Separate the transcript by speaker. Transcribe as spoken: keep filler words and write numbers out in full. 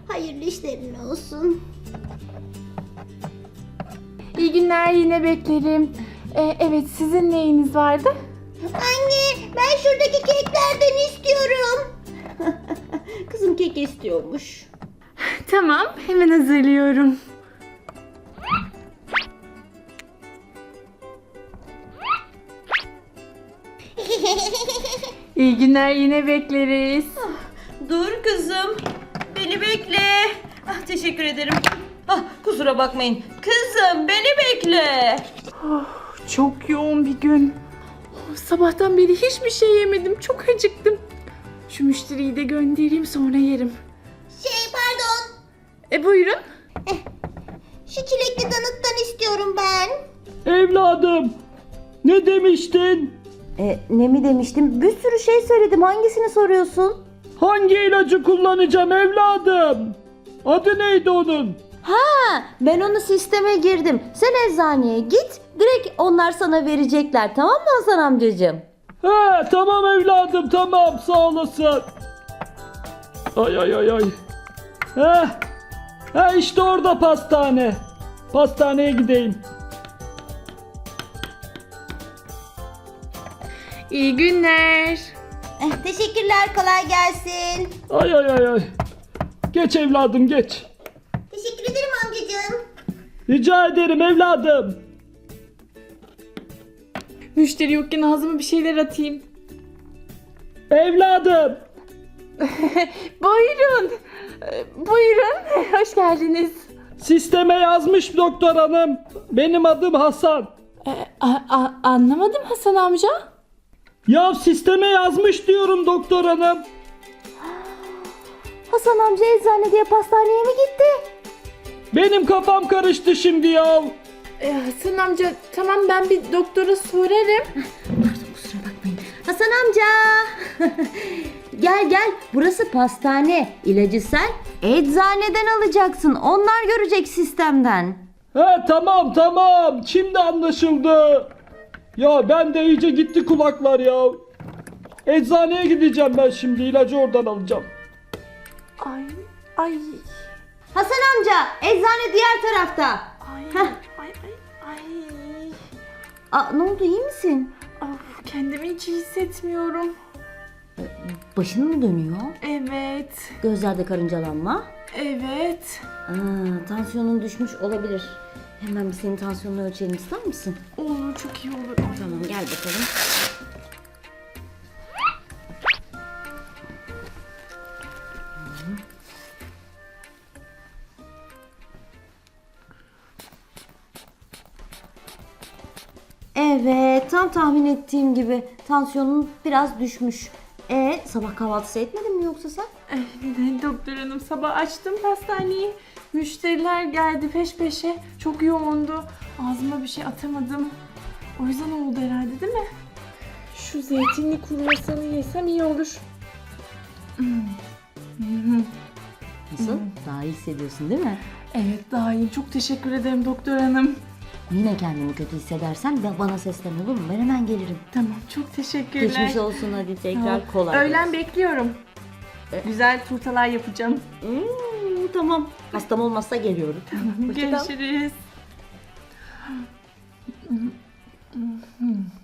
Speaker 1: Hayırlı işlerin olsun.
Speaker 2: İyi günler, yine beklerim. Ee, evet, sizin neyiniz vardı?
Speaker 1: Anne, ben şuradaki keklerden istiyorum. Kızım kek istiyormuş.
Speaker 2: Tamam, hemen hazırlıyorum. İyi günler, yine bekleriz.
Speaker 3: Dur kızım. Beni bekle. Ah, teşekkür ederim. Ah, kusura bakmayın. Kızım beni bekle.
Speaker 2: Oh, çok yoğun bir gün. Oh, sabahtan beri hiçbir şey yemedim. Çok acıktım. Şu müşteriyi de göndereyim, sonra yerim.
Speaker 1: Şey pardon.
Speaker 2: E buyurun.
Speaker 1: Şu çilekli donuttan istiyorum ben.
Speaker 4: Evladım, ne demiştin?
Speaker 3: E, ne mi demiştim? Bir sürü şey söyledim. Hangisini soruyorsun?
Speaker 4: Hangi ilacı kullanacağım evladım? Adı neydi onun?
Speaker 3: Ha, ben onu sisteme girdim. Sen eczaneye git. Direkt onlar sana verecekler. Tamam mı Hasan amcacığım?
Speaker 4: He, tamam evladım, tamam, sağ olasın. Ay ay ay ay. He, he işte orada pastane. Pastaneye gideyim.
Speaker 2: İyi günler.
Speaker 1: Eh, teşekkürler, kolay gelsin.
Speaker 4: Ay ay ay ay. Geç evladım, geç.
Speaker 1: Teşekkür ederim amcacığım.
Speaker 4: Rica ederim evladım.
Speaker 2: Müşteri yokken ağzıma bir şeyler atayım.
Speaker 4: Evladım.
Speaker 2: Buyurun. Ee, Buyurun. Hoş geldiniz.
Speaker 4: Sisteme yazmış doktor hanım. Benim adım Hasan.
Speaker 2: Ee, a- a- anlamadım Hasan amca.
Speaker 4: Ya sisteme yazmış diyorum doktor hanım.
Speaker 3: Hasan amca eczane diye pastaneye mi gitti?
Speaker 4: Benim kafam karıştı şimdi ya.
Speaker 2: Ee, Hasan amca tamam, ben bir doktora sorarım.
Speaker 3: Kusura bakmayın. Hasan amca. Gel gel. Burası pastane. İlacı sen eczaneden alacaksın. Onlar görecek sistemden.
Speaker 4: He tamam tamam, şimdi anlaşıldı. Ya ben de iyice gitti kulaklar ya. Eczaneye gideceğim ben şimdi, ilacı oradan alacağım.
Speaker 2: Ay ay
Speaker 3: Hasan amca, eczane diğer tarafta.
Speaker 2: ay
Speaker 3: Heh.
Speaker 2: ay ay ay.
Speaker 3: Aa, ne oldu, iyi misin?
Speaker 2: Of, kendimi hiç iyi hissetmiyorum.
Speaker 3: Başın mı dönüyor?
Speaker 2: Evet.
Speaker 3: Gözlerde karıncalanma.
Speaker 2: Evet.
Speaker 3: Aa, tansiyonun düşmüş olabilir. Hemen bir senin tansiyonunu ölçelim, ister misin?
Speaker 2: Olur, çok iyi olur. Ay.
Speaker 3: Tamam, gel bakalım. Evet, tam tahmin ettiğim gibi tansiyonun biraz düşmüş. E sabah kahvaltısı etmedin mi yoksa sen?
Speaker 2: Eh, doktor hanım, sabah açtım pastaneyi. Müşteriler geldi peş peşe. Çok yoğundu. Ağzıma bir şey atamadım. O yüzden oldu herhalde, değil mi? Şu zeytinli kruvasanı yesem iyi olur.
Speaker 3: Nasıl? Daha iyi hissediyorsun değil mi?
Speaker 2: Evet, daha iyi. Çok teşekkür ederim doktor hanım.
Speaker 3: Yine kendini kötü hissedersen de bana seslen, olur mu? Ben hemen gelirim.
Speaker 2: Tamam, çok teşekkürler.
Speaker 3: Geçmiş olsun, hadi tekrar
Speaker 2: Tamam.
Speaker 3: kolay
Speaker 2: Öğlen
Speaker 3: gelsin.
Speaker 2: bekliyorum. Güzel turtalar yapacağım.
Speaker 3: Hmm, tamam. Hastam olmazsa geliyorum. Hoşça kal.
Speaker 2: Görüşürüz.